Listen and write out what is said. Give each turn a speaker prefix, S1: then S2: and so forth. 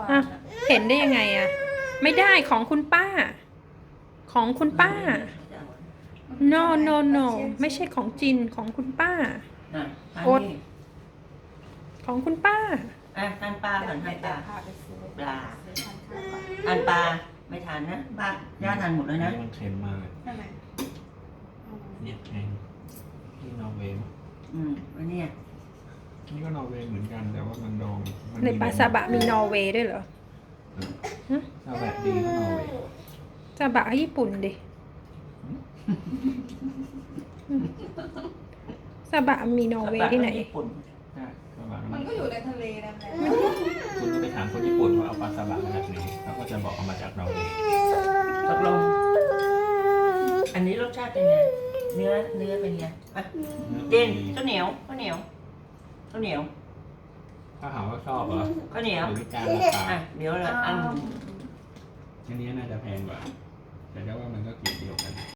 S1: อ่ะเห็นได้ยังไงอ่ะไม่ได้ของคุณป้า ของคุณป้า no no no ไม่ใช่ของจินของคุณป้า
S2: น่ะทาน
S1: อด
S2: นี่
S1: ของคุณป้า
S2: อ่ะทานปลาก่อนทานปลา
S3: พาไปซื้อ
S2: ปลา
S3: ซื้อทานข้าวก่อน
S2: ทานปลาไม่ทานนะป้าย่าทานหมดแล้วนะ
S4: มันเค็มมากเลย
S3: ใช่ไหม
S4: เนี่ยแพงที่นอร์เวย์มั้ง
S2: อันเนี้ย
S4: นี่ก็นอร์เวย์เหมือนกันแต่ว่ามันดองมั
S1: ในปลาซาบะมีนอร์เวย์ด้วยเหรอ
S4: ซาบะดีก็นอร์เวย์
S1: ซาบะญี่ปุ่นดิซาบะมีนอร์เวย์ที่ไหน
S2: ญี่ปุ่น
S4: ใช่ซาบะ
S3: มันก็อยู่ในทะเลนั่นแหละ
S4: คุณก็ไปถามคนญี่ปุ่นว่าเอาปลาซาบะมาจากไหนเขาก็จะบอกเอามาจากนอร์เวย์
S2: ตกลงอันนี้รสชาติเป็นไงเนื้อเป็นไงอ่ะเจนข้าวเหนียวข้าวเหนียวข้าวเหนียว
S4: ถ้าถามว่าชอบเหรอ
S2: ข้าวเหนียว
S4: หรือการราคา
S2: อ่ะเดี๋ยวละอัน
S4: อันนี้น่าจะแพงกว่า แต่ก็ว่ามันก็เกรดเดียวกัน